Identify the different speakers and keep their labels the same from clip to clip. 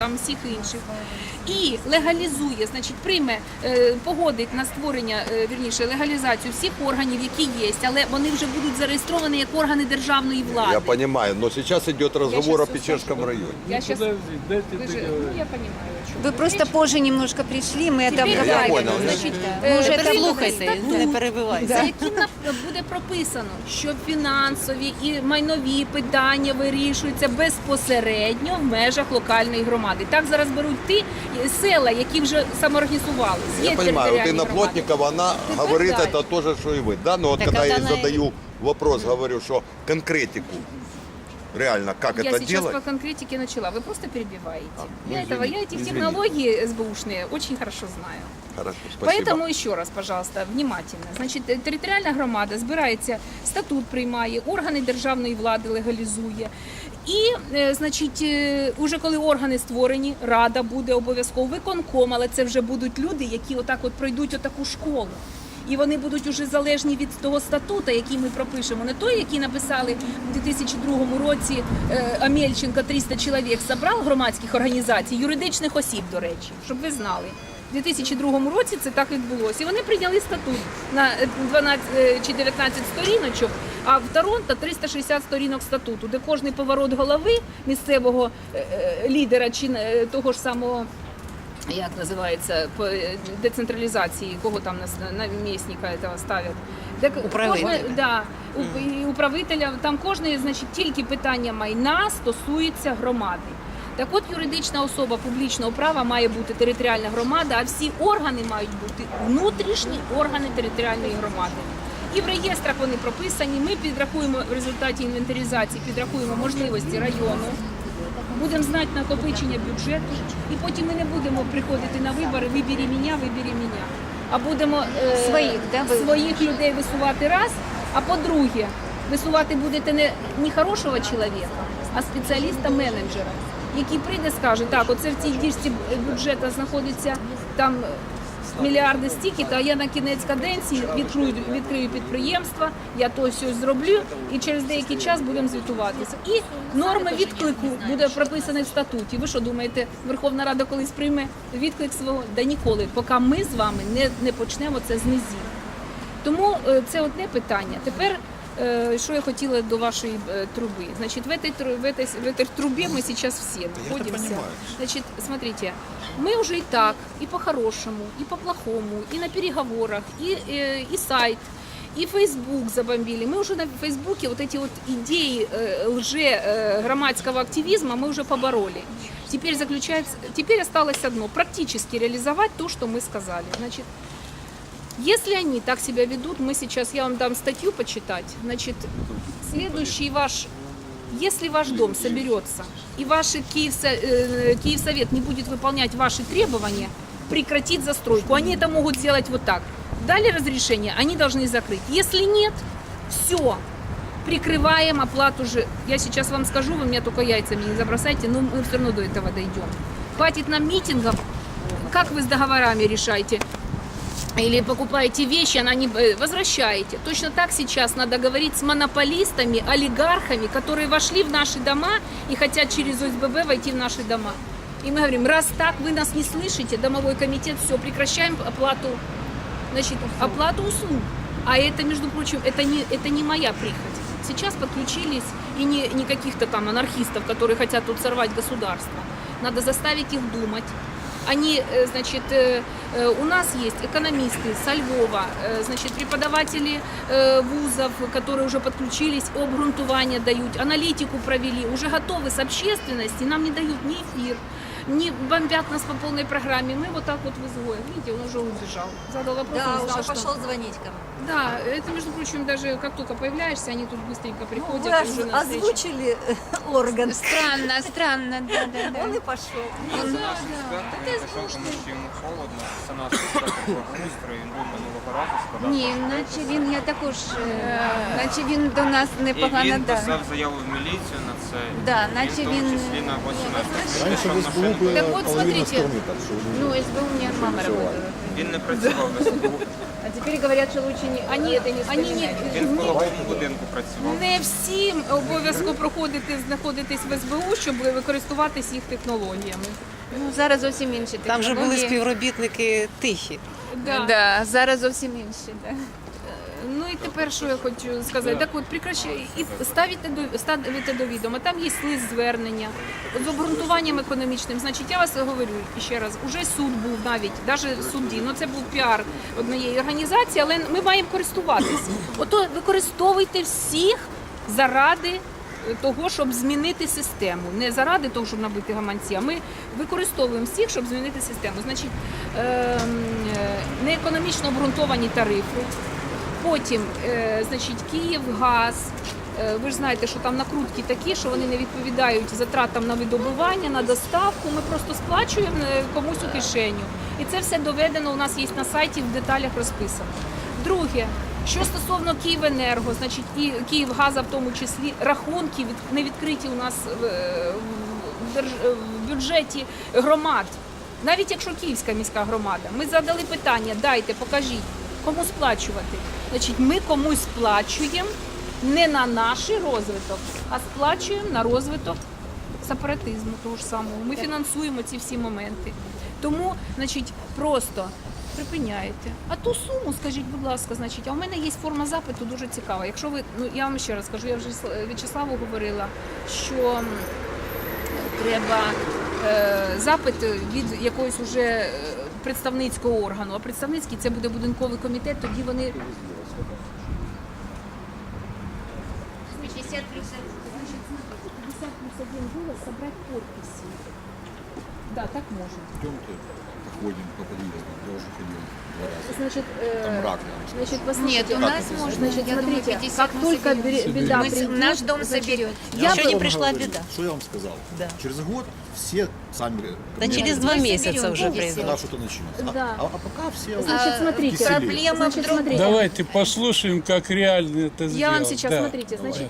Speaker 1: там всіх інших. І легалізує, значить, прийме, погодить на створення, вірніше, легалізацію всіх органів, які є, але вони вже будуть зареєстровані як органи державної влади.
Speaker 2: Я понимаю, но сейчас идет разговор о Печерском районе.
Speaker 1: Я сейчас...
Speaker 3: Подожди, дайте
Speaker 1: Ну, я понимаю, о чем
Speaker 4: Вы просто позже немножко пришли, мы это
Speaker 1: Теперь
Speaker 2: Я
Speaker 4: обговорили.
Speaker 2: понял.
Speaker 1: Значить,
Speaker 4: Уже
Speaker 1: прийме
Speaker 4: слухайте,
Speaker 1: статут,
Speaker 4: не перебивайте.
Speaker 1: за яким буде прописано, що фінансові і майнові питання вирішуються безпосередньо в межах локальної громади. Так зараз беруть ті села, які вже самоорганізувалися.
Speaker 2: Я понимаю, вот Инна Плотникова, она
Speaker 1: Теперь
Speaker 2: говорит
Speaker 1: да.
Speaker 2: это тоже, что и вы. Да, но вот
Speaker 4: Так
Speaker 2: когда я ей
Speaker 4: она и-
Speaker 2: задаю вопрос, говорю, что конкретику, реально, как
Speaker 1: Я
Speaker 2: это
Speaker 1: сейчас
Speaker 2: делать?
Speaker 1: по конкретике начала, вы просто перебиваете.
Speaker 2: ну,
Speaker 1: Я эти
Speaker 2: извините.
Speaker 1: технологии СБУшные очень хорошо знаю.
Speaker 2: Хорошо, спасибо.
Speaker 1: Поэтому еще раз, пожалуйста, внимательно. Значить, територіальна громада збирається, статут приймає, органи державної влади легалізує. І, значить, уже коли органи створені, рада буде обов'язково, виконком, але це вже будуть люди, які отак от пройдуть отаку школу. І вони будуть уже залежні від того статуту, який ми пропишемо. Не той, який написали у 2002 році Амельченко, 300 чоловік зібрав громадських організацій, юридичних осіб, до речі, щоб ви знали. У 2002 році це так відбулося. І вони прийняли статут на 12 чи 19 сторіночок, а в Торонто 360 сторінок статуту, де кожний поворот голови місцевого лідера чи того ж самого, як називається, по децентралізації, кого там на місника этого ставлять.
Speaker 4: Управителя.
Speaker 1: І управителя, там кожне, значить, тільки питання майна стосується громади. Так от юридична особа публічного права має бути територіальна громада, а всі органи мають бути внутрішні органи територіальної громади. І в реєстрах вони прописані, ми підрахуємо в результаті інвентаризації, підрахуємо можливості району, будемо знати накопичення бюджету, і потім ми не будемо приходити на вибори «вибери мене», а будемо
Speaker 4: Своїх, да, ви-
Speaker 1: своїх людей висувати раз, а по-друге, висувати будете не хорошого чоловіка, а спеціаліста-менеджера, який прийде і скаже, так, оце в цій діжці бюджету знаходиться там мільярди стільки-то, а я на кінець каденції відкрию підприємства, я то все зроблю, і через деякий час будемо звітуватися. І норми відклику буде прописані в статуті. Ви що думаєте, Верховна Рада колись прийме відклик свого? Да ніколи, поки ми з вами не почнемо це з низів. Тому це одне питання. Тепер, что я хотела до вашей трубы. Значит, в этой трубе мы сейчас все находимся. Значит, смотрите, мы уже и так, и по-хорошему, и по-плохому, и на переговорах, и сайт, и Facebook забомбили. Мы уже на Фейсбуке вот эти вот идеи громадского активизма мы уже побороли. Теперь осталось одно, практически реализовать то, что мы сказали. Значит, если они так себя ведут, я вам дам статью почитать, значит, следующий если ваш дом соберется и ваш Киевсовет не будет выполнять ваши требования, прекратить застройку, они это могут сделать вот так. Дали разрешение, они должны закрыть. Если нет, все, прикрываем оплату же. Я сейчас вам скажу, вы меня только яйцами не забросайте, но мы все равно до этого дойдем. Хватит нам митингов, как вы с договорами решаете? Или покупаете вещи, она не возвращаете. Точно так сейчас надо говорить с монополистами, олигархами, которые вошли в наши дома и хотят через ОСББ войти в наши дома. И мы говорим, раз так вы нас не слышите, домовой комитет, все, прекращаем оплату услуг. А это, между прочим, это не моя прихоть. Сейчас подключились и не каких-то там анархистов, которые хотят тут сорвать государство. Надо заставить их думать. Они, значит, у нас есть экономисты со Львова, значит, преподаватели вузов, которые уже подключились, обґрунтування дают, аналитику провели, уже готовы с общественности, нам не дают ни эфир, не бомбят нас по полной программе. Мы вот так вот в изгое. Видите, он уже убежал. Задал вопрос,
Speaker 4: Да,
Speaker 1: не знал,
Speaker 4: уже
Speaker 1: что...
Speaker 4: пошел звонить ко мне.
Speaker 1: Да, это, между прочим, даже как только появляешься, они тут быстренько приходят.
Speaker 4: Вы
Speaker 1: и уже на встречу.
Speaker 4: озвучили орган. Странно, да.
Speaker 5: Он и пошел.
Speaker 6: Прийшов, тому що йому холодно, це наш благоустрій, він був минулого разу, сказав.
Speaker 4: Ні, наче він, я також, наче він до нас
Speaker 6: І
Speaker 4: непогано,
Speaker 6: він
Speaker 4: да.
Speaker 6: писав заяву в міліцію на це,
Speaker 4: Да,
Speaker 6: він
Speaker 4: наче
Speaker 6: в тому
Speaker 4: він-
Speaker 6: числі на 18
Speaker 2: Раньше в
Speaker 6: прийшов
Speaker 2: СБУ
Speaker 6: машину.
Speaker 2: было
Speaker 1: Так вот,
Speaker 2: половина
Speaker 1: смотрите.
Speaker 2: страны, так что
Speaker 4: Ну, СБУ у меня мама работала.
Speaker 6: Він не працював в СБУ,
Speaker 4: А теперь говорят, что лучше не...
Speaker 1: Они
Speaker 6: він в половому будинку працював.
Speaker 1: не всім обов'язково знаходитись в СБУ, щоб користуватись їх технологіями.
Speaker 4: Ну, зараз зовсім інші
Speaker 3: Там же були
Speaker 4: технології.
Speaker 3: співробітники тихі.
Speaker 4: Да, зараз зовсім інші. Да.
Speaker 1: Ну і тепер, що я хочу сказати, так от прекращай і ставите до відома. Там є лист звернення з обґрунтуванням економічним. Значить, я вас говорю ще раз, уже суд був навіть судді, ну це був піар однієї організації, але ми маємо користуватися. Ото використовуйте всіх заради того, щоб змінити систему. Не заради того, щоб набити гаманці, а ми використовуємо всіх, щоб змінити систему. Значить, неекономічно обґрунтовані тарифи. Потім, значить, Київгаз, ви ж знаєте, що там накрутки такі, що вони не відповідають затратам на видобування, на доставку, ми просто сплачуємо комусь у кишеню. І це все доведено, у нас є на сайті, в деталях розписано. Друге, що стосовно Київенерго, значить, і Київгаза в тому числі, рахунки не відкриті у нас в бюджеті громад. Навіть якщо Київська міська громада, ми задали питання, дайте, покажіть. Кому сплачувати? Значить, ми комусь сплачуємо не на наш розвиток, а сплачуємо на розвиток сепаратизму того ж самого. Ми фінансуємо ці всі моменти. Тому, значить, просто припиняєте. А ту суму, скажіть, будь ласка, значить, а у мене є форма запиту дуже цікава. Якщо ви, ну я вам ще раз скажу, я вже В'ячеславу говорила, що треба запит від якогось уже представницького органу, а представницький це буде будинковий комітет, тоді вони
Speaker 4: 50 плюс
Speaker 1: 50 плюс 1 голос собрать подписи. Да, так можно.
Speaker 2: Идемте, походим по подъезду, я уже ходил 2 раза.
Speaker 1: Значит,
Speaker 2: Там рак.
Speaker 1: значит, послушайте,
Speaker 4: Нет, у нас можно.
Speaker 1: значит,
Speaker 4: Я думаю,
Speaker 1: смотрите,
Speaker 4: 50
Speaker 1: как
Speaker 4: мы
Speaker 1: только
Speaker 4: соберем.
Speaker 1: беда
Speaker 4: Мы
Speaker 1: придет,
Speaker 4: наш дом соберет.
Speaker 1: Я
Speaker 3: Еще
Speaker 1: бы-
Speaker 3: не пришла беда.
Speaker 5: Что я вам сказал?
Speaker 3: Да.
Speaker 5: Через год все сами
Speaker 3: Да через 2 месяца уже
Speaker 5: когда
Speaker 3: произойдет.
Speaker 5: что-то начнется.
Speaker 1: Да.
Speaker 5: А пока все
Speaker 1: Значит, смотрите,
Speaker 5: киселей.
Speaker 4: Проблема в
Speaker 1: значит,
Speaker 4: другом.
Speaker 1: смотрите.
Speaker 7: Давайте послушаем, как реально это сделать.
Speaker 1: Я вам сейчас,
Speaker 7: Да.
Speaker 1: смотрите, значит,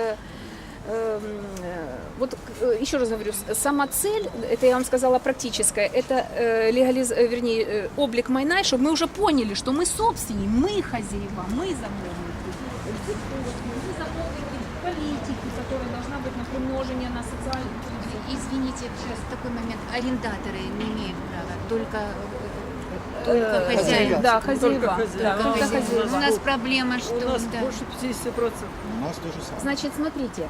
Speaker 1: вот еще раз говорю, сама цель, это я вам сказала практическая, это вернее, облик майна, чтобы мы уже поняли, что мы собственники, мы хозяева, мы замовники. Мы замовники политики, которая должна быть на примножение на социальную.
Speaker 4: Извините, сейчас такой момент. Арендаторы не имеют права, только хозяин.
Speaker 1: Да, хозяева. Да,
Speaker 4: Только
Speaker 1: только
Speaker 4: хозяин.
Speaker 1: хозяева.
Speaker 4: У нас проблема, что да.
Speaker 5: У нас то же самое.
Speaker 1: Значит, смотрите,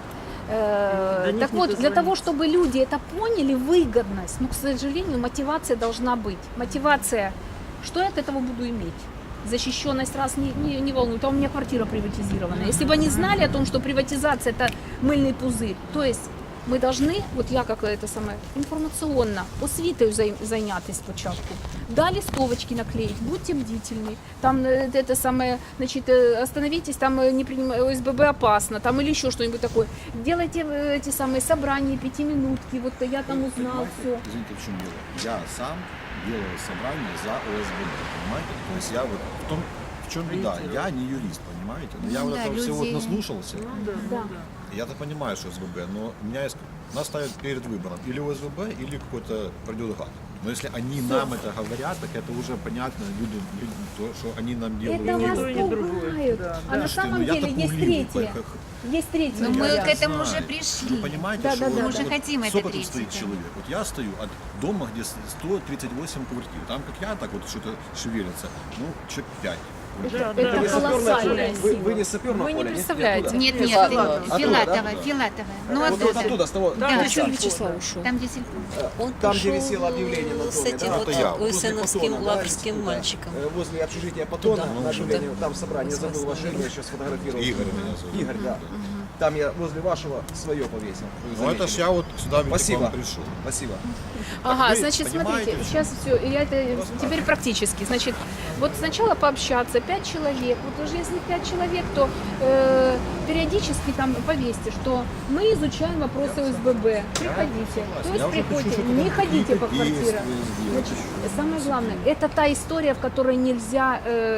Speaker 1: так вот, для того, чтобы люди это поняли, выгодность, но, к сожалению, мотивация должна быть. Мотивация, что я от этого буду иметь? Защищенность раз не волнует, а у меня квартира приватизирована. Если бы они знали о том, что приватизация это мыльный пузырь, то есть ми повинні, от я як це саме, інформаційно, освітою зайнятися спочатку. Далі стовочки наклеїть, будьте бдительні. Там это саме, значит, остановитесь, там не принимай, ОСББ опасно, там или еще что-нибудь такое. Делайте эти самые собрания, 5-минутки, вот я там узнал все.
Speaker 5: Извините, в чем дело. Я сам делал собрание за ОСББ, понимаете? То есть я вот в чем беда? Я не юрист, понимаете? Но я вот
Speaker 4: Да,
Speaker 5: этого всего вот
Speaker 4: людей.
Speaker 5: наслушался.
Speaker 1: Да.
Speaker 5: Я-то понимаю, что СВБ, но меня нас ставят перед выбором или ОСВБ, или какой-то пройдет гад. Но если они нам это говорят, так это уже понятно, люди, то, что они нам делают.
Speaker 1: Это вас
Speaker 5: невыгодно.
Speaker 1: пугают. А на
Speaker 5: Что,
Speaker 1: самом
Speaker 5: ну, я-то
Speaker 1: деле есть
Speaker 5: пугливый,
Speaker 1: третье.
Speaker 5: как-
Speaker 1: Есть третье.
Speaker 4: Но мы
Speaker 1: вариант.
Speaker 4: к этому
Speaker 5: знаю.
Speaker 4: уже
Speaker 5: Вы
Speaker 4: пришли.
Speaker 5: понимаете,
Speaker 1: Да,
Speaker 5: что
Speaker 1: да, да,
Speaker 5: вот-
Speaker 1: Мы уже
Speaker 5: вот
Speaker 4: хотим это
Speaker 5: сколько тут
Speaker 4: третье,
Speaker 5: стоит
Speaker 4: да.
Speaker 5: человек? Вот я стою от дома, где 138 квартир. Там, как я, так вот что-то шевелится, ну, человек 5.
Speaker 1: Это колоссальная сила.
Speaker 8: Вы не саперного
Speaker 1: Вы не
Speaker 8: поля, нет?
Speaker 1: представляете.
Speaker 4: Нет, нет,
Speaker 8: Оттуда,
Speaker 4: Филатова,
Speaker 8: да?
Speaker 4: Филатова. Ну
Speaker 8: Вот
Speaker 4: оттуда.
Speaker 8: оттуда, с того,
Speaker 4: Да.
Speaker 3: Где Вячеслав ушел?
Speaker 4: Там, где сельпо.
Speaker 3: Он
Speaker 8: там, где
Speaker 3: пошел
Speaker 8: висело объявление на
Speaker 3: с
Speaker 8: доме,
Speaker 3: этим
Speaker 8: да?
Speaker 3: вот
Speaker 5: Это я.
Speaker 3: УСНовским
Speaker 8: Потона, да,
Speaker 3: лаврским
Speaker 8: да.
Speaker 3: мальчиком.
Speaker 8: Возле общежития Патона,
Speaker 3: Туда.
Speaker 8: на объявлении,
Speaker 3: Туда.
Speaker 8: там собрание, забыл ваше имя, сейчас сфотографировал.
Speaker 5: Игорь меня зовут.
Speaker 8: Игорь, да. Там я возле вашего свое повесил. Вы
Speaker 5: Ну это
Speaker 8: заметили?
Speaker 5: ж я вот сюда ведь к
Speaker 8: Спасибо.
Speaker 5: вам пришел.
Speaker 8: Спасибо.
Speaker 1: Ага,
Speaker 5: вы
Speaker 1: значит,
Speaker 5: понимаете,
Speaker 1: смотрите,
Speaker 5: в
Speaker 1: сейчас все, я это теперь практически. Значит, вот сначала пообщаться, 5 человек. Вот уже если 5 человек, то периодически там повесьте, что мы изучаем вопросы ОСББ. Приходите. То есть
Speaker 5: Я уже
Speaker 1: приходите,
Speaker 5: хочу, чтобы
Speaker 1: не
Speaker 5: там
Speaker 1: ходите по
Speaker 5: какие-то
Speaker 1: квартирам.
Speaker 5: действия сделать.
Speaker 1: Значит, самое главное, это та история, в которой нельзя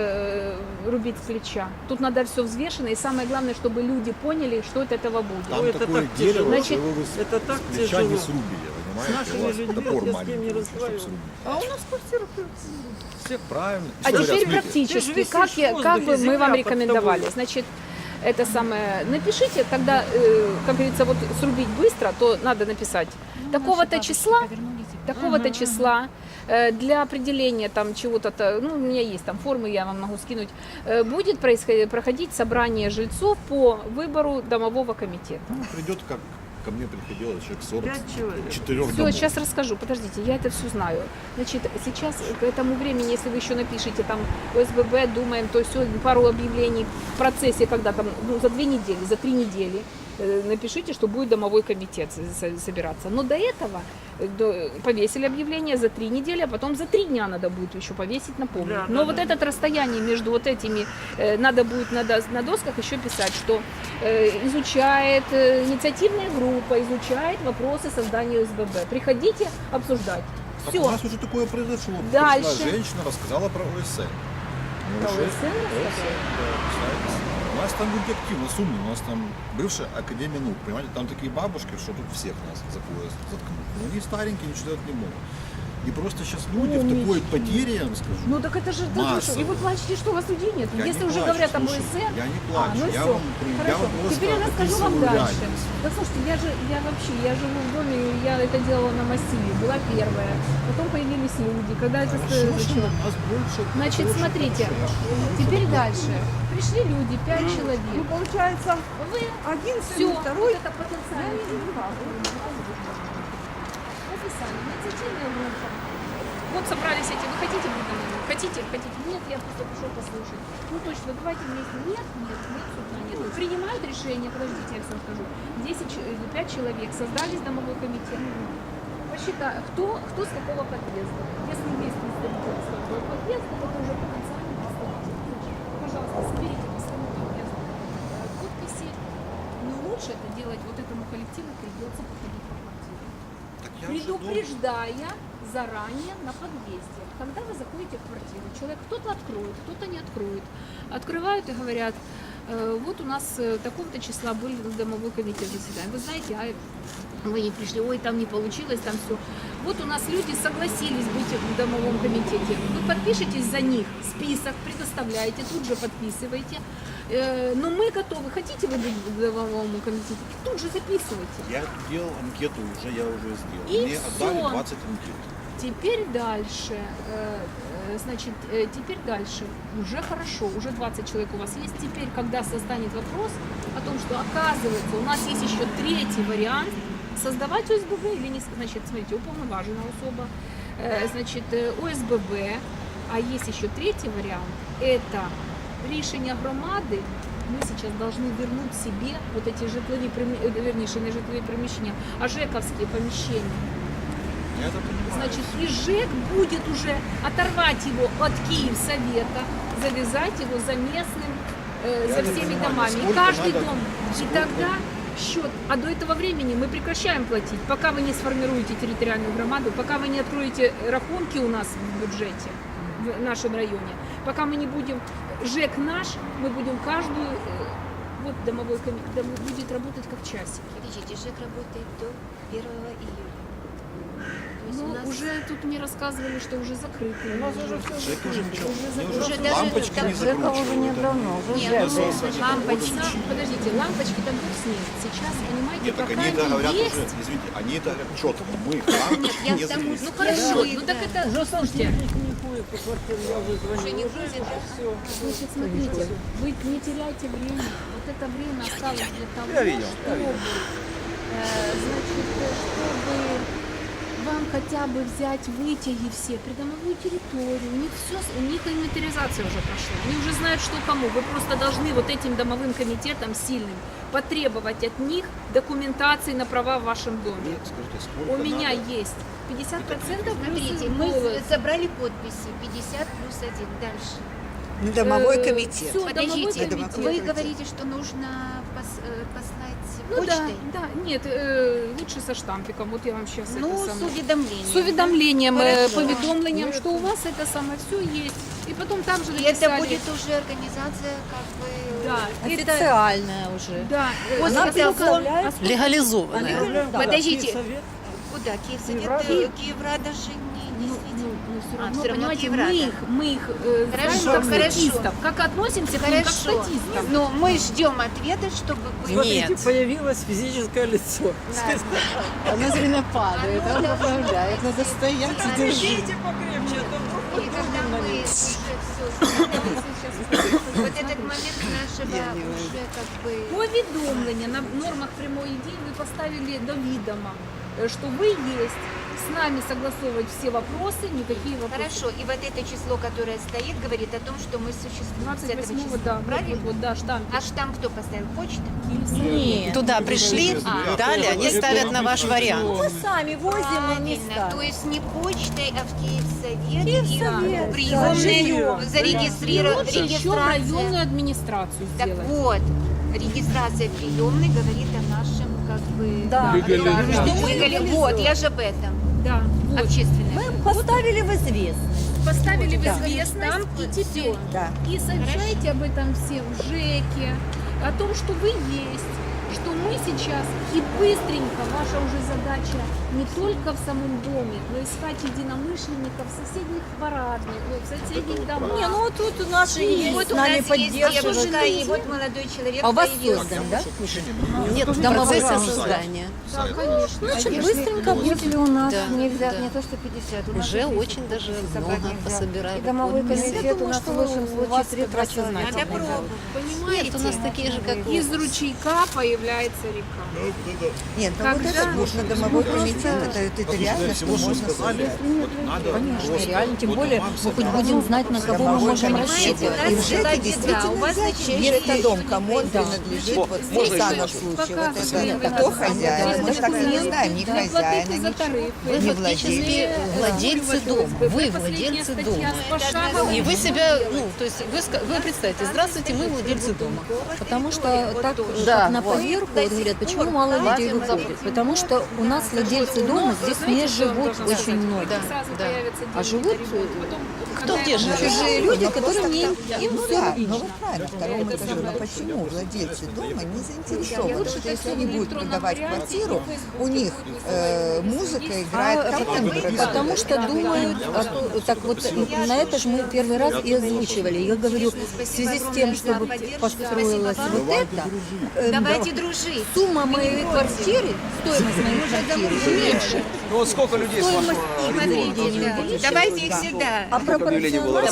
Speaker 1: рубить с плеча. Тут надо все взвешено, и самое главное, чтобы люди поняли, что от этого будет.
Speaker 5: Там
Speaker 9: это
Speaker 5: такое
Speaker 9: так
Speaker 5: дерево,
Speaker 9: тяжело.
Speaker 5: что
Speaker 1: Значит,
Speaker 5: его вы
Speaker 9: это так
Speaker 5: с плеча не
Speaker 9: тяжело.
Speaker 5: срубили,
Speaker 9: С
Speaker 5: понимаете?
Speaker 9: нашими
Speaker 5: У вас
Speaker 9: людьми
Speaker 5: топор
Speaker 9: я с кем не
Speaker 5: маленький, чтобы
Speaker 9: разговариваю.
Speaker 5: срубить.
Speaker 9: А у нас квартира
Speaker 5: Всех правильно.
Speaker 1: А
Speaker 5: Что
Speaker 1: теперь
Speaker 5: говорят, смотрите,
Speaker 1: практически,
Speaker 9: Ты же
Speaker 1: как,
Speaker 9: висишь в
Speaker 1: как бы
Speaker 9: воздухе,
Speaker 1: мы вам
Speaker 9: земля под
Speaker 1: рекомендовали.
Speaker 9: тобой.
Speaker 1: Значит, это самое, напишите, когда, как говорится, вот срубить быстро, то надо написать такого-то числа, такого-то числа для определения там чего-то, ну, у меня есть там формы, я вам могу скинуть, будет проходить собрание жильцов по выбору домового комитета.
Speaker 5: Ну, придет, как ко мне приходило человек 40, 4
Speaker 1: Все,
Speaker 5: домов.
Speaker 1: сейчас расскажу, подождите, я это все знаю. Значит, сейчас к этому времени, если вы еще напишите там ОСББ, думаем, то все, пару объявлений в процессе, когда там, ну, за 2 недели, за 3 недели, напишите, что будет домовой комитет собираться. Но до этого повесили объявление за 3 недели, а потом за 3 дня надо будет еще повесить, напомнить. Но вот это расстояние между вот этими, надо будет на досках еще писать, что изучает инициативная группа, изучает вопросы создания ОСББ. Приходите обсуждать.
Speaker 5: Так
Speaker 1: Все.
Speaker 5: у нас уже такое произошло.
Speaker 1: Дальше.
Speaker 5: Пришла женщина, рассказала про ОСН.
Speaker 1: Про
Speaker 5: Ну,
Speaker 1: ОСН рассказала?
Speaker 5: У нас там люди активно, сумны, у нас там бывшая Академия наук, понимаете, там такие бабушки, что тут всех нас за пояс заткнут. Но они старенькие, ничего делать не могут. И просто сейчас люди в такой потере, я вам скажу.
Speaker 1: Ну так это же
Speaker 5: Масса.
Speaker 1: и вы плачете, что у вас людей нет.
Speaker 5: Я
Speaker 1: Если
Speaker 5: не
Speaker 1: уже
Speaker 5: плачу,
Speaker 1: говорят об
Speaker 5: слушай,
Speaker 1: ОСН,
Speaker 5: я не плачу,
Speaker 1: ну
Speaker 5: я
Speaker 1: все.
Speaker 5: вам просто
Speaker 1: Теперь я расскажу вам
Speaker 5: описываю
Speaker 1: дальше.
Speaker 5: реальность.
Speaker 1: Да слушайте, я живу в доме, я это делала на массиве, была первая. Потом появились люди, когда это начало.
Speaker 5: У нас больше.
Speaker 1: Значит,
Speaker 5: больше,
Speaker 1: смотрите,
Speaker 5: больше.
Speaker 1: теперь дальше. Пришли люди, 5 человек.
Speaker 9: Ну, получается,
Speaker 1: Вы
Speaker 9: один
Speaker 1: все,
Speaker 9: сын, второй.
Speaker 1: вот это потенциально. Написали, инициативная группа. Вот собрались эти, вы хотите быть домой? Хотите? Нет, я просто пришел послушать. Ну точно, давайте вместе. Нет, суда нет. Принимают решение, подождите, я все скажу. 5 человек создались домовой комитет. Посчитаю, кто с какого подъезда. Если есть представитель с какого подъезда, это уже потенциальный представитель. Пожалуйста, соберите по своему подъезду подписи. Но лучше это делать вот этому коллективу придется походить по квартире.
Speaker 5: Так я уже дома.
Speaker 1: Предупреждая заранее на подъезде. Когда вы заходите в квартиру, человек кто-то откроет, кто-то не откроет. Открывают и говорят, вот у нас такого-то числа был домовой комитет заседания. Вы знаете, а вы не пришли, ой, там не получилось, там все. Вот у нас люди согласились быть в домовом комитете. Вы подпишитесь за них, список предоставляете, тут же подписываете. Но мы готовы. Хотите вы быть в домовом комитете? Тут же записывайте.
Speaker 5: Я делал анкету, я уже сделал.
Speaker 1: И
Speaker 5: Мне отдали
Speaker 1: всё.
Speaker 5: 20 анкет.
Speaker 1: Теперь дальше, теперь дальше, уже хорошо, уже 20 человек у вас есть. Теперь, когда состанет вопрос о том, что оказывается, у нас есть еще 3-й вариант, создавать ОСББ или не, значит, смотрите, уполноважена особа, ОСББ, а есть еще 3-й вариант, это решение громади. Мы сейчас должны вернуть себе вот эти житлові, верніше, не житлові приміщення, а ЖЕКовские помещения.
Speaker 5: Я это понимаю.
Speaker 1: Значит, и ЖЭК будет уже оторвать его от Киевсовета, завязать его за местным, за
Speaker 5: не
Speaker 1: всеми
Speaker 5: понимаю,
Speaker 1: домами. И
Speaker 5: сколько
Speaker 1: каждый
Speaker 5: надо-
Speaker 1: дом. И
Speaker 5: сколько-
Speaker 1: тогда счет. А до этого времени мы прекращаем платить, пока вы не сформируете территориальную громаду, пока вы не откроете рахунки у нас в бюджете, в нашем районе, пока мы не будем, ЖЭК наш, мы будем каждую, вот домовой комитет будет работать как часики.
Speaker 4: Подождите, ЖЭК работает до 1 июля. То есть
Speaker 1: Ну,
Speaker 4: у нас
Speaker 1: уже тут мне рассказывали, что уже закрыты. У нас уже все
Speaker 5: Жека уже ничего. Мне
Speaker 4: Уже
Speaker 5: уже
Speaker 4: даже
Speaker 5: лампочки
Speaker 4: там
Speaker 5: не
Speaker 4: Жека
Speaker 5: закручивают.
Speaker 4: Нет,
Speaker 1: лампочки. Подождите, лампочки там бог с ним. Сейчас, понимаете,
Speaker 5: Нет, так
Speaker 1: пока
Speaker 5: они это
Speaker 1: они
Speaker 5: говорят
Speaker 1: есть.
Speaker 5: уже, извините, они это говорят четко. Мы лампочки
Speaker 4: я
Speaker 5: не
Speaker 4: к тому,
Speaker 5: закрыли.
Speaker 1: Ну хорошо, ну так это, слушайте,
Speaker 4: уже не будет.
Speaker 1: значит, смотрите, вы не теряйте время. Вот это время осталось для того,
Speaker 8: видел,
Speaker 1: чтобы, чтобы вам хотя бы взять вытяги все, придомовую территорию. У них все, у них инвентаризация уже прошла. Они уже знают, что кому. Вы просто должны вот этим домовым комитетам сильным потребовать от них документации на права в вашем доме.
Speaker 5: Скажите, сколько
Speaker 1: У меня
Speaker 5: надо?
Speaker 1: есть 50%
Speaker 4: Смотрите, мы собрали подписи 50 плюс 1. Дальше.
Speaker 3: Домовой комитет.
Speaker 1: Все,
Speaker 4: Подождите,
Speaker 1: домовой комитет.
Speaker 4: вы говорите, что нужно послать
Speaker 1: Ну
Speaker 4: почтой?
Speaker 1: да, нет, лучше со штампиком. Вот я вам сейчас
Speaker 4: Ну,
Speaker 1: это
Speaker 4: с
Speaker 1: самое.
Speaker 4: уведомлением.
Speaker 1: С уведомлением,
Speaker 4: Хорошо.
Speaker 1: поведомлением, что у вас это самое все есть. И потом там же
Speaker 4: И
Speaker 1: написали.
Speaker 4: это будет уже организация как бы...
Speaker 1: Да, это,
Speaker 3: Официальная уже.
Speaker 1: да.
Speaker 4: После того,
Speaker 3: Легализованная.
Speaker 4: Подождите, вот да, Киевсовет, Киеврада же не действительно.
Speaker 1: все
Speaker 4: А,
Speaker 1: равно,
Speaker 4: всё равно
Speaker 1: понимаете,
Speaker 4: Киеврада.
Speaker 1: мы их
Speaker 4: Хорошо,
Speaker 1: знаем как
Speaker 4: хорошо.
Speaker 1: статистов. Как относимся к ним как
Speaker 4: Хорошо,
Speaker 1: статистам?
Speaker 4: но мы ждем ответа, чтобы вы...
Speaker 9: Нет. Появилось физическое лицо. Оно все время падает, он поправляет. Надо стоять и держать.
Speaker 4: И когда мы уже все, вот этот момент нашего уже как бы...
Speaker 1: Повідомлення на нормах прямої дії ви поставили до відома, что вы есть, с нами согласовывать все вопросы, никакие вопросы.
Speaker 4: Хорошо, и вот это число, которое стоит, говорит о том, что мы существуем с этого
Speaker 1: 28-го,
Speaker 4: числа.
Speaker 1: да,
Speaker 4: Правильно?
Speaker 1: вот, да, штамп.
Speaker 4: А штамп кто поставил? Почта?
Speaker 9: Туда пришли, дали, они ставят на ваш вариант.
Speaker 3: Мы сами возим, и не
Speaker 4: Правильно. То
Speaker 3: ставим.
Speaker 4: есть не почтой, а в Киевсовет,
Speaker 3: Киевсовет,
Speaker 4: и приемные
Speaker 3: да.
Speaker 4: зарегистрировать.
Speaker 1: Еще в районную администрацию
Speaker 4: Так
Speaker 1: сделать.
Speaker 4: вот, регистрация приемной говорит о нашем как бы...
Speaker 3: Да.
Speaker 4: Вот, я же об этом.
Speaker 1: Да, вот.
Speaker 4: Общественное.
Speaker 3: Мы поставили в известность.
Speaker 1: Поставили в
Speaker 3: Да.
Speaker 1: известность, и теперь
Speaker 3: Да.
Speaker 1: и сообщайте об этом всем в ЖЭКе, о том, что вы есть, что мы сейчас и быстренько, ваша уже задача не только в самом доме, но искать единомышленников в соседних парадных, в соседних домах.
Speaker 3: Не, ну тут у нас же есть,
Speaker 4: Вот
Speaker 3: с
Speaker 4: у
Speaker 3: нами
Speaker 4: нас есть
Speaker 3: поддерживают.
Speaker 4: девушка, и вот молодой человек
Speaker 9: А у вас
Speaker 4: появился.
Speaker 9: создан, да?
Speaker 5: Нет,
Speaker 9: Нет, домовые создания.
Speaker 1: Да, конечно.
Speaker 3: Значит, быстренько если у нас
Speaker 9: Да,
Speaker 3: нельзя,
Speaker 9: да.
Speaker 3: не то что 50, у нас
Speaker 9: Уже
Speaker 3: здесь
Speaker 9: очень даже много пособирали.
Speaker 3: и домовой
Speaker 9: подписи.
Speaker 3: комитет у нас в лучшем случае 3 часа.
Speaker 4: Надо пробовать.
Speaker 1: Понимаете?
Speaker 9: Нет, у нас такие же, как
Speaker 1: Из ручейка появляется река.
Speaker 3: Нет, ну вот
Speaker 1: Когда?
Speaker 3: это можно домовой комитет, это реально, что
Speaker 5: всего, что
Speaker 3: можно
Speaker 5: сказали, вот надо
Speaker 9: Конечно,
Speaker 5: просто
Speaker 9: реально, тем
Speaker 5: вот
Speaker 9: более
Speaker 5: вам
Speaker 9: мы хоть
Speaker 5: собирать.
Speaker 9: будем знать, на кого мы
Speaker 3: Домовой
Speaker 9: можем
Speaker 3: комитет.
Speaker 9: рассчитывать.
Speaker 4: У
Speaker 3: И
Speaker 4: нас
Speaker 3: в ЖЭКе
Speaker 4: была беда,
Speaker 3: действительно
Speaker 4: у вас,
Speaker 3: знать,
Speaker 4: значит,
Speaker 3: чей это дом, кому он
Speaker 9: Да.
Speaker 3: принадлежит, вот в
Speaker 2: можно
Speaker 3: данном
Speaker 2: еще?
Speaker 3: случае.
Speaker 1: Пока
Speaker 3: Вот
Speaker 1: все
Speaker 3: это,
Speaker 1: время
Speaker 3: кто
Speaker 1: надо
Speaker 3: хозяин, мы
Speaker 1: смотреть
Speaker 3: так и не
Speaker 1: документы,
Speaker 3: знаем, ни
Speaker 1: не платите
Speaker 3: хозяина,
Speaker 1: за
Speaker 3: ничего.
Speaker 1: тарифы.
Speaker 9: Вы
Speaker 3: Не
Speaker 9: фактически владельцы дома, вы владельцы дома. И вы себя, ну, то есть вы представьте, здравствуйте, мы владельцы дома.
Speaker 10: Потому что так,
Speaker 9: Да,
Speaker 10: как на
Speaker 9: вот.
Speaker 10: поверку вот говорят, почему мало людей выходит? Потому что у нас владельцы дома здесь не живут очень многие.
Speaker 9: Да.
Speaker 10: А живут
Speaker 9: Кто где живет?
Speaker 10: чужие люди, которые не им
Speaker 3: Ну
Speaker 10: все
Speaker 3: да, ну вот правильно, второму этажу. Но почему владельцы дома не заинтересованы, что если они будут продавать квартиру, у них музыка играет там,
Speaker 10: Потому что думают, так вот на это же мы первый раз и озвучивали. Я говорю, в связи с тем, чтобы построилось вот это,
Speaker 4: Давайте дружить.
Speaker 10: сумма моей квартиры, стоимость моей квартиры меньше.
Speaker 8: Ну вот сколько людей с вашего региона?
Speaker 4: Давайте их сюда.
Speaker 10: А пропорционально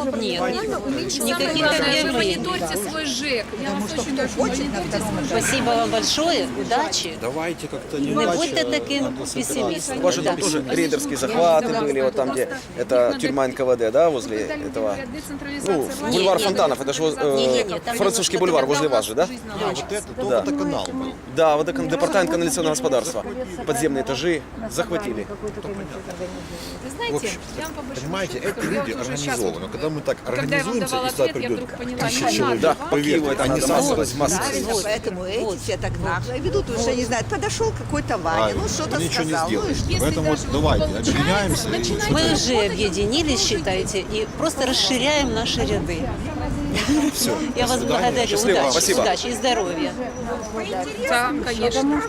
Speaker 9: Нет, никаких
Speaker 1: Вы
Speaker 9: объявлений.
Speaker 1: мониторьте свой ЖЭК. Я вас очень прошу,
Speaker 3: хочет на
Speaker 1: мониторьте
Speaker 3: втором
Speaker 1: свой ЖЭК.
Speaker 9: Спасибо вам большое, удачи.
Speaker 5: Давайте как-то не
Speaker 9: Не будьте таким пессимистом.
Speaker 8: У вас же там тоже рейдерские захваты были, вот там, где это тюрьма НКВД, да, возле этого. Ну, бульвар Фонтанов, это же
Speaker 9: Не-не-не, там
Speaker 8: французский
Speaker 9: немножко
Speaker 8: бульвар
Speaker 9: тогда
Speaker 8: возле
Speaker 9: у
Speaker 8: вас
Speaker 9: нас
Speaker 8: же, да?
Speaker 9: жизнь
Speaker 5: вот
Speaker 9: налаживается.
Speaker 5: это, то водоканал был.
Speaker 8: Да, вот департамент канализационного господарства. Подземные этажи захватили.
Speaker 1: Вы знаете, я вам по большому
Speaker 2: Понимаете,
Speaker 1: счету
Speaker 2: это
Speaker 1: скажу, я
Speaker 2: люди
Speaker 1: вот уже щас
Speaker 2: организованы. Но когда мы так
Speaker 1: Когда я вам
Speaker 2: организуемся,
Speaker 1: давала
Speaker 2: и сюда
Speaker 1: ответ, я
Speaker 2: придет
Speaker 1: вдруг поняла,
Speaker 2: тысяча
Speaker 1: не
Speaker 2: человек,
Speaker 1: надо.
Speaker 8: Да, по Киеву это
Speaker 2: они
Speaker 8: надо
Speaker 2: сразу
Speaker 8: массово, массово.
Speaker 3: Правильно,
Speaker 9: Вот,
Speaker 3: поэтому
Speaker 9: вот,
Speaker 3: эти все так нагло ведут, уже не знают, подошел какой-то Ваня, ну что-то
Speaker 2: вы ничего не
Speaker 3: сказал, ну и
Speaker 2: сделаете.
Speaker 3: что?
Speaker 1: Если
Speaker 2: Поэтому вот
Speaker 1: даже
Speaker 2: давайте
Speaker 1: получается,
Speaker 2: объединяемся. и
Speaker 1: начинайте
Speaker 9: Мы
Speaker 1: работать,
Speaker 9: уже объединились, считайте, и просто расширяем наши ряды.
Speaker 2: все.
Speaker 9: Я вас благодарю.
Speaker 8: Счастливо,
Speaker 9: Удачи,
Speaker 8: спасибо.
Speaker 9: удачи и здоровья.
Speaker 1: Да, конечно.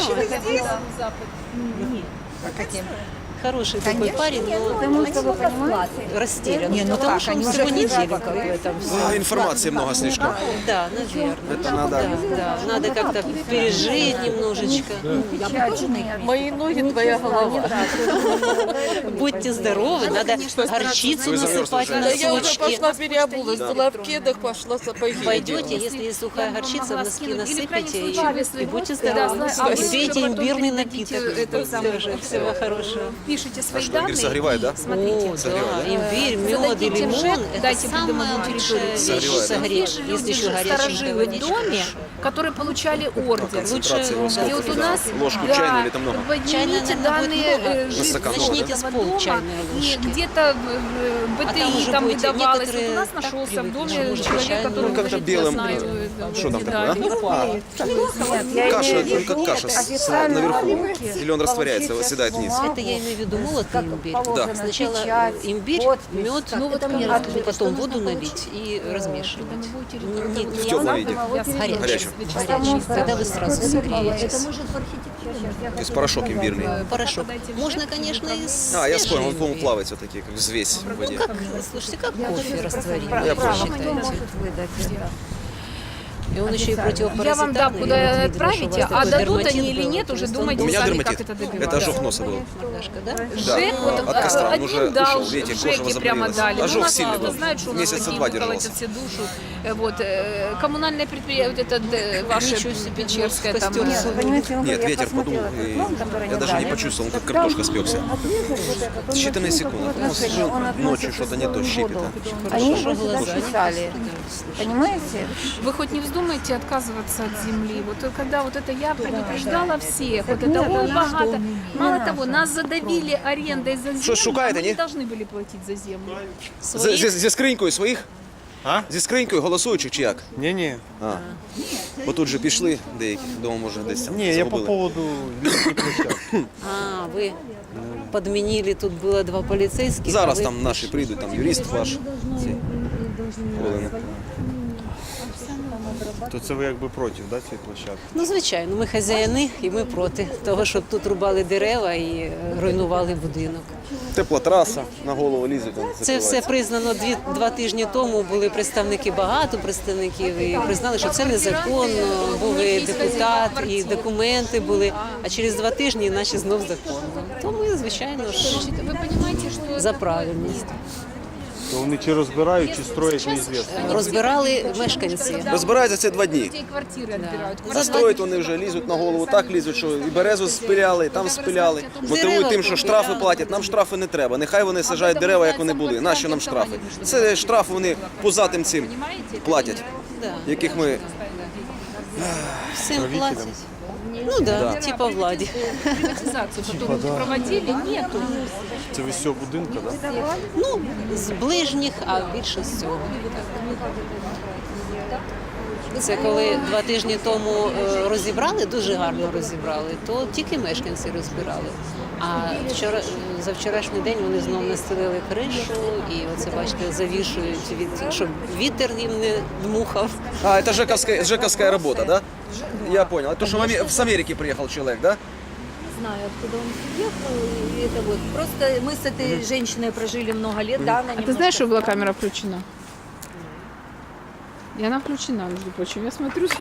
Speaker 9: Хороший такой парень, но
Speaker 3: Потому что вы понимаете,
Speaker 9: растерян.
Speaker 3: Не, ну
Speaker 9: Потому
Speaker 3: как,
Speaker 9: что он
Speaker 3: они
Speaker 9: всего
Speaker 3: уже
Speaker 9: неделю
Speaker 3: как
Speaker 9: как бы там
Speaker 8: А, информации много слишком.
Speaker 9: Да, наверное.
Speaker 8: Это надо.
Speaker 9: Да, надо как-то пережить немножечко.
Speaker 10: Мои ноги, твоя голова.
Speaker 9: Будьте здоровы, надо горчицу
Speaker 8: Вы замерзли
Speaker 9: насыпать
Speaker 8: уже.
Speaker 9: на
Speaker 10: Я уже
Speaker 9: носочки.
Speaker 10: пошла переобулась, была в кедах, пошла сапоги.
Speaker 9: Пойдете, если есть сухая горчица, в носки насыпите и будьте
Speaker 1: Да,
Speaker 9: здоровы.
Speaker 1: а вы
Speaker 9: И пейте
Speaker 1: уже потом
Speaker 9: имбирный
Speaker 1: передадите
Speaker 9: напиток.
Speaker 1: этот самый,
Speaker 9: Тоже всего хорошего.
Speaker 1: Пишите свои
Speaker 8: что,
Speaker 1: данные.
Speaker 8: имбирь согревает, да?
Speaker 1: и Смотрите.
Speaker 9: О, да, имбирь, мед и лимон – это
Speaker 1: Дайте
Speaker 9: самая
Speaker 1: придуманную
Speaker 9: лучшая
Speaker 1: территорию.
Speaker 9: вещь
Speaker 8: Согревает, да?
Speaker 9: согреть, если еще горяченькая
Speaker 1: Сторожили в
Speaker 9: водичка.
Speaker 1: доме, которые получали ордер.
Speaker 8: Концентрация его
Speaker 1: И
Speaker 8: сколько?
Speaker 1: вот у нас
Speaker 8: Ложку чайную или там много?
Speaker 9: Чайная,
Speaker 1: поднимите
Speaker 9: наверное,
Speaker 1: данные
Speaker 9: будет много.
Speaker 1: жителей
Speaker 8: стакан
Speaker 9: Начните
Speaker 1: этого
Speaker 9: с пол
Speaker 1: дома,
Speaker 9: чайной
Speaker 1: и
Speaker 9: ложки.
Speaker 1: где-то
Speaker 9: А там
Speaker 1: БТИ
Speaker 9: уже
Speaker 1: там
Speaker 9: будете
Speaker 1: выдавалось. Вот
Speaker 9: некоторые
Speaker 1: у нас
Speaker 9: так
Speaker 1: нашелся в
Speaker 9: привыкнут,
Speaker 1: доме
Speaker 9: что может
Speaker 1: человек,
Speaker 9: чайную.
Speaker 1: который
Speaker 8: Ну, как-то
Speaker 1: говорит,
Speaker 8: белым,
Speaker 1: я знаю,
Speaker 8: что там такое,
Speaker 1: медали.
Speaker 8: Каша, только каша наверху. Или он растворяется, оседает вниз.
Speaker 9: Это я имею в виду молотый имбирь.
Speaker 8: Да.
Speaker 9: Сначала имбирь, мед, потом воду налить и размешивать.
Speaker 8: В теплом виде.
Speaker 9: Горячий.
Speaker 8: Горячий.
Speaker 9: Тогда вы сразу согреетесь.
Speaker 10: Это может в архитектуре
Speaker 8: То есть порошок имбирный.
Speaker 9: Порошок. Можно, конечно, и
Speaker 8: А, я вспомнил, он,
Speaker 9: свежий
Speaker 8: по-моему,
Speaker 9: имбирь.
Speaker 8: плавает все-таки, как взвесь в воде.
Speaker 9: Как, слушайте, как кофе растворимый,
Speaker 8: Я
Speaker 9: как
Speaker 8: понял.
Speaker 9: считаете? И он еще и противопаразитарный.
Speaker 1: Я вам дам,
Speaker 9: и
Speaker 1: куда
Speaker 9: вот видно, что
Speaker 1: отправите,
Speaker 9: у вас
Speaker 1: а
Speaker 9: такой
Speaker 1: дадут
Speaker 9: дерматит
Speaker 1: они или
Speaker 9: был.
Speaker 1: нет,
Speaker 9: То
Speaker 1: уже
Speaker 9: есть он
Speaker 1: думайте
Speaker 8: У меня
Speaker 1: сами,
Speaker 8: дерматит.
Speaker 1: как это добиваться.
Speaker 8: Это ожог носа был.
Speaker 9: Мордашка, да?
Speaker 1: Жек, вот
Speaker 8: от костра, он
Speaker 1: один
Speaker 8: уже
Speaker 1: дал,
Speaker 8: ушел, видите, кожа
Speaker 1: Жеки прямо
Speaker 8: возобновилась.
Speaker 1: дали.
Speaker 8: Ожог
Speaker 1: У нас
Speaker 8: сильный
Speaker 1: кто
Speaker 8: был.
Speaker 1: знает, что у нас
Speaker 8: Месяца
Speaker 1: такие
Speaker 8: два
Speaker 1: вот
Speaker 8: держался.
Speaker 1: колотят все душу. Вот, коммунальное предприятие, вот это ваше
Speaker 9: Ничего себе,
Speaker 1: Печерское
Speaker 9: в
Speaker 1: там.
Speaker 9: костер сунул.
Speaker 8: Нет, ветер подул, и я даже не почувствовал, он как картошка спекся. Считанные секунды. Он сижу ночью, что-то не то щипит.
Speaker 9: Хорошо, что глаза не
Speaker 10: писали. Понимаете?
Speaker 1: Вы хоть не вздумаете отказываться от земли? Вот когда вот это я предупреждала всех, вот это о, богато. Мало того, нас задавили арендой за землю,
Speaker 8: Що, шукаєте,
Speaker 1: а мы
Speaker 8: ні?
Speaker 1: не должны были платить за землю.
Speaker 8: Зі скринькою своїх?
Speaker 11: А?
Speaker 8: Зі скринькою голосуючих чи як?
Speaker 11: Ні-ні.
Speaker 8: А. Бо тут же пішли деякі, вдома може десь там
Speaker 11: Ні, я по
Speaker 8: загубили.
Speaker 11: поводу літньої площадки.
Speaker 9: А, вы подменили, тут было 2 полицейских.
Speaker 8: Зараз
Speaker 9: а вы
Speaker 8: там наші прийдуть, там юрист ваш. Ці. Олена.
Speaker 11: То це ви якби проти, да, цієї площадки?
Speaker 9: Ну, звичайно, ми хазяїни і ми проти того, щоб тут рубали дерева і руйнували будинок.
Speaker 8: Тепла траса, на голову лізуть. там
Speaker 9: Це все
Speaker 8: закривається.
Speaker 9: признано 2 тижні тому. Були представники, багато представників, і признали, що це незаконно. Був і депутат, і документи були. А через 2 тижні наші знов законно. То ми, звичайно ж,
Speaker 1: Вы понимаете, что
Speaker 9: за правильність.
Speaker 11: То вони чи розбирають, чи строять, неізвісно.
Speaker 9: Розбирали мешканці.
Speaker 8: Розбираються це 2 дні.
Speaker 1: людей квартиры отбирают.
Speaker 8: Застроїть вони вже, лізуть на голову, так лізуть, що і березу спиляли, і там спиляли. Мотивують тим, що штрафи платять. Нам штрафи не треба. Нехай вони саджають дерева, як вони були. Нащо нам штрафи? Це штрафи вони позатим цим платять,
Speaker 9: Да.
Speaker 8: яких ми...
Speaker 9: Всім платять. Ну да, типа владі.
Speaker 1: Приватизацию, которую проводили, нету.
Speaker 11: Це ви з цього будинку, так? Да?
Speaker 9: Ну, з ближніх, а більше з цього. Це коли 2 тижні тому розібрали, дуже гарно розібрали, то тільки мешканці розбирали. А за вчорашній день вони знову настелили кришу і оце, бачите, завішують, щоб вітер їм не дмухав.
Speaker 8: А, это жековская работа, да? Я понял. Это что с Америки приехал человек, да?
Speaker 10: Знаю, откуда он приехал. И это вот. Просто мы с этой женщиной прожили много лет, да, она
Speaker 1: А ты знаешь, что была камера включена? И она включена, между прочим. Я смотрю,